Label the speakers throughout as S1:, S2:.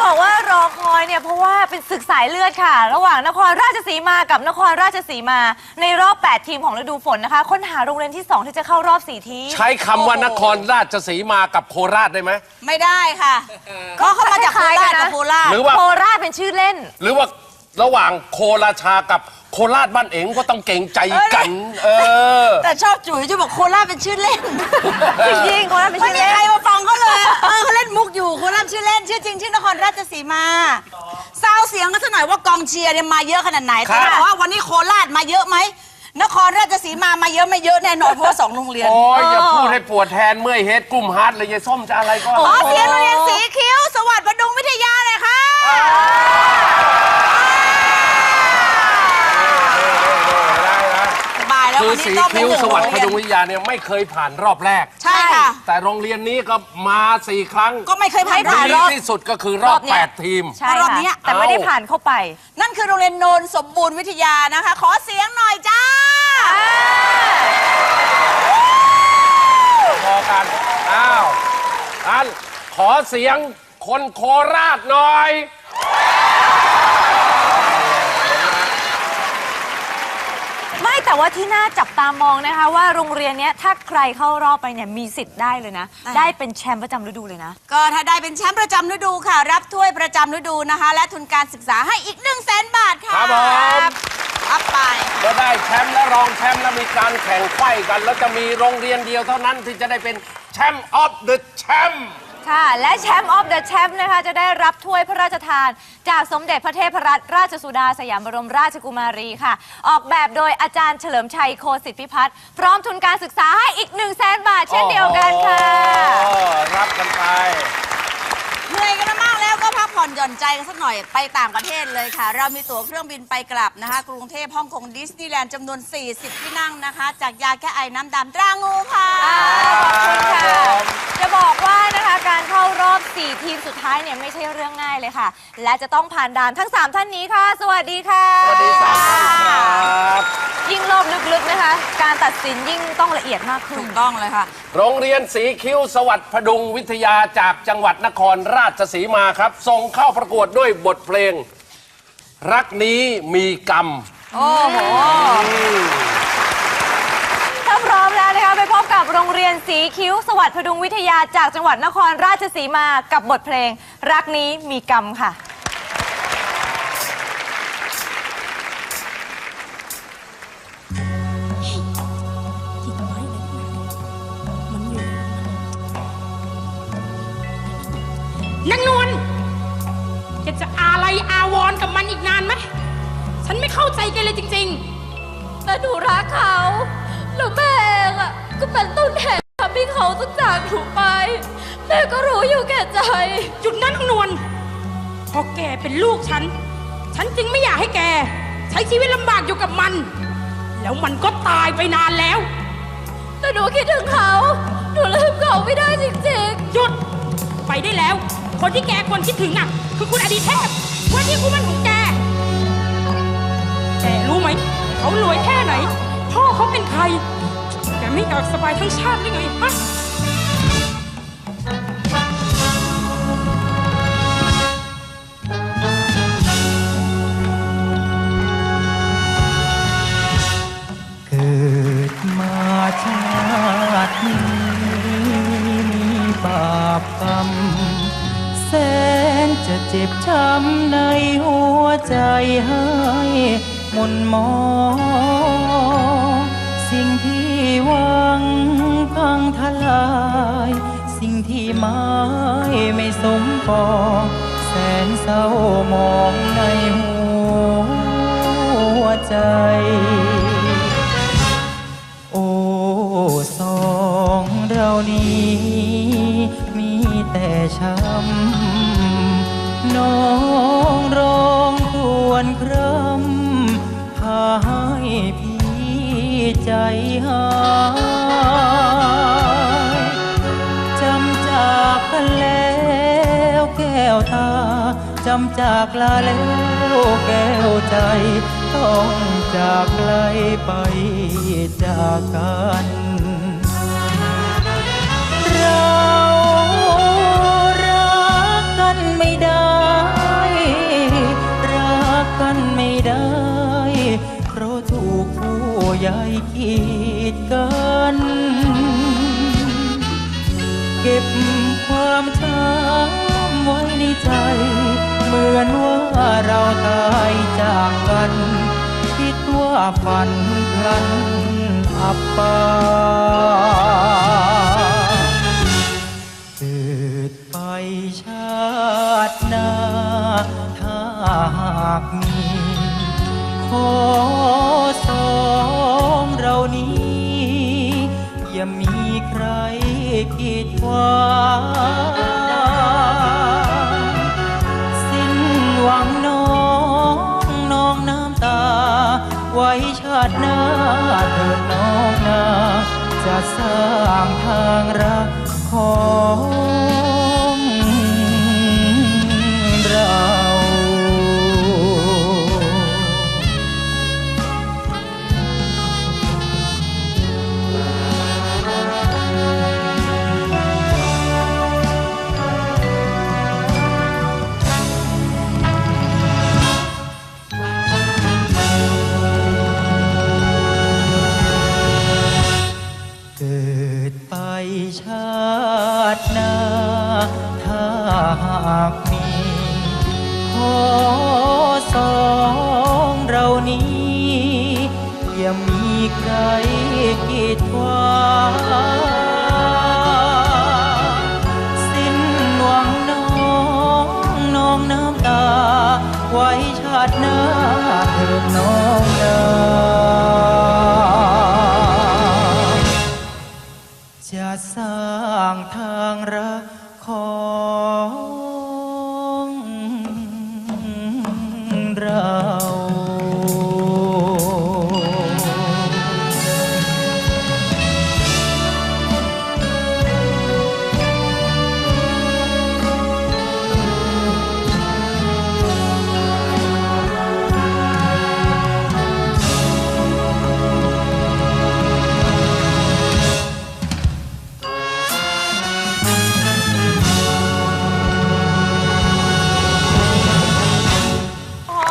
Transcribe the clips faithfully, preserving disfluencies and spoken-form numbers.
S1: บอกว่ารอคอยเนี่ยเพราะว่าเป็นศึกสายเลือดค่ะระหว่างนครราชสีมากับนครราชสีมาในรอบแปดทีมของฤดูฝนนะคะค้นหาโรงเรียนที่สองที่จะเข้ารอบสี่ทีม
S2: ใช้คำว่านครราชสีมากับโคราชได้ไหม
S3: ไม่ได้ค่ะก็เขามาจากโคราชกับโคราช
S2: หรือว่า
S1: โคราชเป็นชื่อเล่น
S2: หรือว่าระหว่างโคราชากับโคราชบ้านเองก็ต้องเก่งใจกันเออ
S3: แต่ชอบจุ๋ยจะบอกโคราชเป็นชื่อเล่น
S1: จริงๆโคราชเป็นชื่อเล่น
S3: ไม่มีใครมาฟังเขาเลยเออเขาเล่นมุกอยู่โคราชชื่อเล่นชื่อจริงชื่อนครราชสีมาซาวเสียงกันสักหน่อยว่ากองเชียร์เนี่ยมาเยอะขนาดไหนแต่ว่าวันนี้โคราชมาเยอะไหมนครราชสีมามาเยอะไม่เยอะแน่นอนเพราะว่าสองโรงเรียน
S2: โอ้ยอย่าพูดให้ปวดแทนเมื่อยเฮดกลุ่มฮาร์ดเลยยายส้มจะอะไรก็
S3: ขอเสียงโรงเรียนสีคิ้วสวัสดิ์ประดุงวิทยาเลยค่ะ
S2: คือสีคิ้วสวัสดิ์พดุงวิทยาเนี่ยไม่เคยผ่านรอบแรก
S3: ใช่ค่ะ
S2: แต่โรงเรียนนี้ก็มาสี่ครั้ง
S3: ก็ไม่เคยผ่าน
S2: รอบที่สุดก็คือรอบแปดทีม
S1: ใช่รอบนี้แต่ไม่ได้ผ่านเข้าไป
S3: นั่นคือโรงเรียนโนนสมบูรณ์วิทยานะคะขอเสียงหน่อยจ้า
S2: พอกันอ้าวอันขอเสียงคนโคราชหน่อย
S1: ไม่แต่ว่าที่น่าจับตามองนะคะว่าโรงเรียนนี้ถ้าใครเข้ารอบไปเนี่ยมีสิทธิ์ได้เลยนะได้เป็นแชมป์ประจำฤดูเลยนะ
S3: ก็ถ้าได้เป็นแชมป์ประจำฤดูค่ะรับถ้วยประจำฤดูนะคะและทุนการศึกษาให้อีกหนึ่งแสนบาทค่ะ
S2: ครับผม
S3: รับไป
S2: ก็ได้แชมป์และรองแชมป์แล้วมีการแข่งไขว้กันแล้วจะมีโรงเรียนเดียวเท่านั้นที่จะได้เป็นแชมป์ออฟเดอะแชมป์
S1: ค่ะและแชมป์ออฟเดอะแชมป์นะคะจะได้รับถ้วยพระราชทานจากสมเด็จพระเทพรัตนราชสุดาสยามบรมราชกุมารีค่ะออกแบบโดยอาจารย์เฉลิมชัยโคสิทธิพิพัฒน์พร้อมทุนการศึกษาให้อีกหนึ่งแสนบาทเช่นเดียวกันค่ะ
S2: รับกันไป
S3: เหนื่อยกันมากแล้วก็พักผ่อนหย่อนใจกันสักหน่อยไปต่างประเทศเลยค่ะเรามีตั๋วเครื่องบินไปกลับนะคะกรุงเทพฮ่องกงดิสนีย์แลนด์จำนวนสี่สิบที่นั่งนะคะจากยาแก้ไอน้ำดำตรางูค่ะ
S1: ขอบคุณค่ะจะบอกว่านะคะการเข้ารอบสี่ทีมสุดท้ายเนี่ยไม่ใช่เรื่องง่ายเลยค่ะและจะต้องผ่านด่านทั้งสามท่านนี้ค่ะสวัสดีค่ะ
S2: สวัสดีครับ
S1: ยิ่งรอบลึกๆนะคะการตัดสินยิ่งต้องละเอียดมากขึ้น
S3: ถูกต้องเลยค่ะ
S2: โรงเรียนสีคิ้วสวัสดิ์พดุงวิทยาจากจังหวัดนครราชสีมาครับส่งเข้าประกวดด้วยบทเพลงรักนี้มีกรรม
S1: โอ้โหถ้าพร้อมแล้วนะคะไปพบกับโรงเรียนสีคิ้วสวัสดิ์พดุงวิทยาจากจังหวัดนครราชสีมากับบทเพลงรักนี้มีกรรมค่ะ
S4: นางนวลแกจะอะไรอาวรกับมันอีกนานไหมฉันไม่เข้าใจแกเลยจริงๆ
S1: แต่หนูรักเขาแล้วแม่เองอ่ะก็เป็นต้นเหตุทำให้เขาต้องจากหนูไปแม่ก็รู้อยู่แก่ใจ
S4: จุดนั้นนางนวลพอแกเป็นลูกฉันฉันจึงไม่อยากให้แกใช้ชีวิตลำบากอยู่กับมันแล้วมันก็ตายไปนานแล้ว
S1: แต่หนูคิดถึงเขาหนูลืมเขาไม่ได้จริง
S4: ๆหยุดไปได้แล้วคนที่แกควรคิดถึงอ่ะคือคุณอดีเทพว่าที่คู่มั่นของแกแกรู้ไหมเขารวยแค่ไหนพ่อเขาเป็นใครแกไม่อยากสบายทั้งชาติหรือไงฮะ
S5: เกิดมาชาตินี้มีบาปกรรมแสนจะเจ็บช้ำในหัวใจให้หม่นหมองสิ่งที่หวังพังทลายสิ่งที่หมายไม่สมปองแสนเศร้ามองในหัวใจโอ้สองเรานี้มีแต่ช้ำน้องร้องครวญคร่ำพาให้พี่ใจหายจำจากกันแล้วแก้วตาจำจากลาแล้วแก้วใจต้องจากไกลไปจากกันเรารักกันไม่ได้ก็บความช้ำไว้ในใจ เหมือนว่าเราตายจากกัน คิดว่าฝันพลันอับปางเกิดไปชาติหน้า ถ้าหากมี ขอสองเรานี้ อย่ามีใครกีดขวางสิ้นหวังน้องน้องน้ำตา ไว้ชาติหน้าเถิดน้องนา จะสร้างทางรักของเรา เกิดไปชาติหน้า ถ้าหากมี ขอสองเรานี้ อย่ามีใครกีดขวางสิ้นหวังน้องน้องน้ำตา ไว้ชาติหน้าเถิดน้องนาจะสร้างทางรักของเรา
S1: โอ้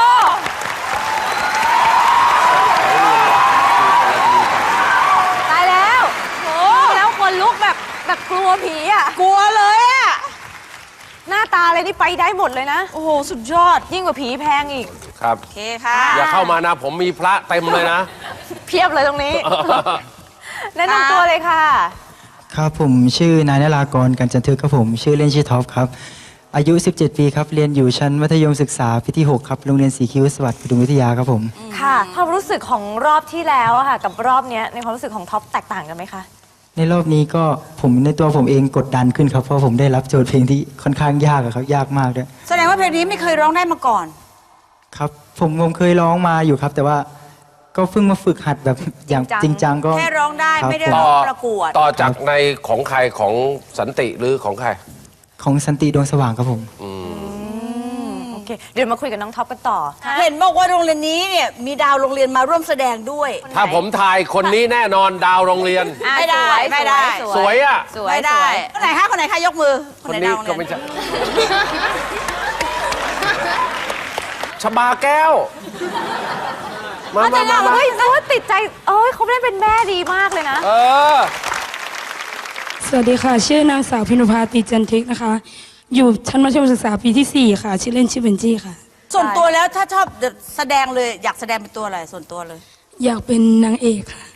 S1: ตายแล้วโอ้แล้วคนลุกแบบแบบกลัวผีอ่ะ
S3: กลัวเลยอ่ะ
S1: หน้าตาอะไรนี่ไปได้หมดเลยนะ
S3: โอ้โห สุดยอด
S1: ยิ่งกว่าผีแพงอีก
S2: ครับ
S3: โอเคค่ะ
S2: อย่าเข้ามานะ ผมมีพระเต็มเลยนะ
S1: เพียบเลยตรงนี้ แนะนำตัวเลยค่ะ
S5: ครับผมชื่อนายนรากรกันจันทึกครับผมชื่อเล่นชื่อท็อปครับ อายุ สิบเจ็ด ปีครับ เรียนอยู่ชั้นมัธยมศึกษาปีที่ หก ครับ โรงเรียนสีคิ้วสวัสดิ์พดุงวิทยาครับผม
S1: ค่ะ ความรู้สึกของรอบที่แล้วอะค่ะ กับรอบเนี้ยในความรู้สึกของท็อปแตกต่างกันไหมคะ
S5: ในรอบนี้ก็ผมในตัวผมเองกดดันขึ้นครับ เพราะผมได้รับโจทย์เพลงที่ค่อนข้างยากอะครับ ยากมากด้วย
S3: แสดงว่าเพลงนี้ไม่เคยร้องได้มาก่อน
S5: ครับ ผมผมเคยร้องมาอยู่ครับ แต่ว่าก็เพิ่งมาฝึกหัดแบบอย่างจริงจังก็
S3: แค่ร้องได้
S5: ครับ
S3: ไม่ได้
S5: ผม
S3: ร้
S2: ต่
S3: อ
S2: อง
S3: ประกวด
S2: ต่อจากในของใครของสันติหรือของใคร
S5: ของสันติดวงสว่างครับผม
S1: โอเค เดี๋ยวมาคุยกับน้องท็อปกันต่อ
S3: เห็นบอกว่าโรงเรียนนี้เนี่ยมีดาวโรงเรียนมาร่วมแสดงด้วย
S2: ถ้าผมทายคนนี้แน่นอนดาวโรงเรียน
S1: อ่ะ
S3: ไม่ได้
S1: สวย
S3: ไม่ได้
S2: สวยอ่ะ
S1: สวย
S3: ไม่
S1: ส
S3: ได้
S1: วย
S3: คนไหนคะคนไหนคะยกมือ
S2: คน
S3: ไห
S2: นี้
S3: ดาวโรง
S2: ก็
S3: เรีย
S2: ไม่ใช่ ชบาแก้ว มา
S1: อ๋อ
S2: มา
S1: แต่
S2: มา
S1: เนี่ย
S2: มา
S1: เฮ้ยโอ้ยติดใจเอ้ยเขาได้เป็นแม่ดีมากเลยนะ
S2: เออ
S4: สวัสดีค่ะ ชื่อนางสาวพินุภาติจันทิกนะคะ อยู่ชั้นมัธยมศึกษาปีที่สี่ค่ะ ชื่อเล่นชื่อเบนจี้ค่ะ
S3: ส่วนตัวแล้วถ้าชอบแสดงเลยอยากแสดงเป็นตัวอะไรส่วนตัวเลย
S4: อยากเป็นนางเอกค่ะ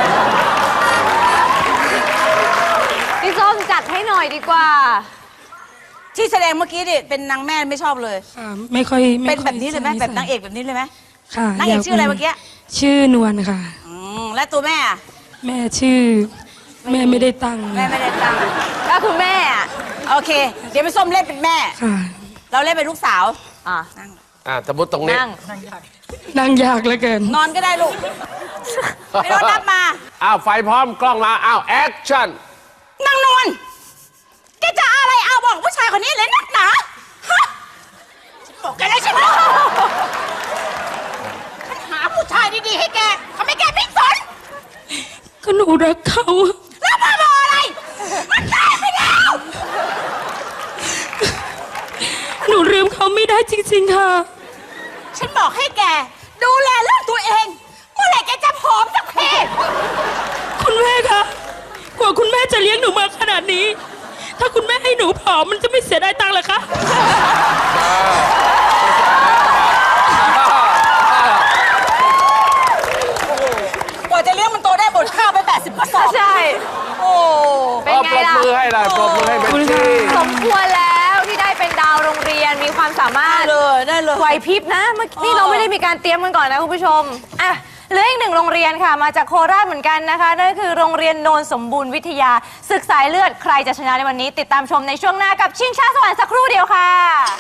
S1: พี่ส้มจัดให้หน่อยดีกว่า
S3: ที่แสดงเมื่อกี้ดิเป็นนางแม่ไม่ชอบเลย
S4: ค่ะ ไม่ค่อยไม่
S3: เป็น
S4: ค่อ
S3: แบบนี้เลยไหม
S4: ส
S3: แบบนางเอกแบบนี้เลยไหม
S4: ค่ะ
S3: นางเอก
S4: ย
S3: ชื่ออะไรเมื่อกี้
S4: ชื่อนวลค่ะ
S3: อืมและตัวแม่อะ
S4: แม่ชื่อ แม่ไม่ได้ตั้ง
S3: แม่ไม่ได้ตั้ง
S1: ก็คือแม่อะ
S3: โอเค เดี๋ยวไปส้มเล่นเป็นแม่
S4: ค่ะ
S3: เราเล่นเป็นลูกสาว
S1: อ่ะ
S3: นั่ง
S2: อ่ะสมมติตรงนี้
S1: นั่ง
S4: นั่งยากเหลือเกิน
S3: นอนก็ได้ลูกไม่ต้องนับมา
S2: อ้าว ไฟพร้อมกล้องมา อ้าว แอคชั่น
S3: นางนวลแกจะอะไรเอาบอกผู้ชายคนนี้เลยนักหนาฮะฉันบอกแกแล้วใช่ไหมฉันหาผู้ชายดีๆให้แกทำไมแกไม่สน
S4: ก็หนูรักเขา
S3: แล้วมาบอกอะไร มันตายไปแล้ว
S4: หนูลืมเขาไม่ได้จริงๆค่ะ
S3: ฉันบอกให้แก ดูแลเรื่องตัวเอง เมื่อไหร่แกจะผอมสักที
S4: คุณแม่คะ กว่าคุณแม่จะเลี้ยงหนูมาขนาดนี้
S3: เ
S4: ถ้าคุณแม่ให้หนูผอมมันจะไม่เสียดายตังค์เหรอคะ
S3: กว่าจะเลี้ยงมันโตได้หมดข้าวไปแปดสิบกระสอบ
S1: ใช่
S3: โอ้
S1: เป็นไงล่ะ
S2: ปรบมือให้เลยปรบมือให้เบนซี่
S1: สมควรแล้วที่ได้เป็นดาวโรงเรียนมีความสามารถ
S3: ได้เลยได้เลย
S1: ไหวพริบนะเมื่อกี้เราไม่ได้มีการเตรียมกันก่อนนะคุณผู้ชมอ่ะเหลืออีกหนึ่งโรงเรียนค่ะมาจากโคราชเหมือนกันนะคะนั่นก็คือโรงเรียนโนนสมบูรณ์วิทยาศึกสายเลือดใครจะชนะในวันนี้ ติดตามชมในช่วงหน้ากับชิงช้าสวรรค์สักครู่เดียวค่ะ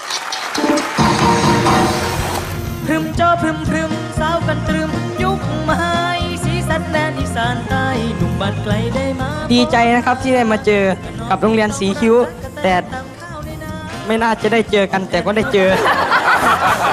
S5: พรึมจอพรึมพรึมสาวกันตรึมยุคใหม่สีสันแดนอีสานใต้หนุ่มบ้านไกลได้มา
S6: ดีใจนะครับที่ได้มาเจอกับโรงเรียนสีคิ้ว แต่ไม่น่าจะได้เจอกันแต่ก็ได้เจอ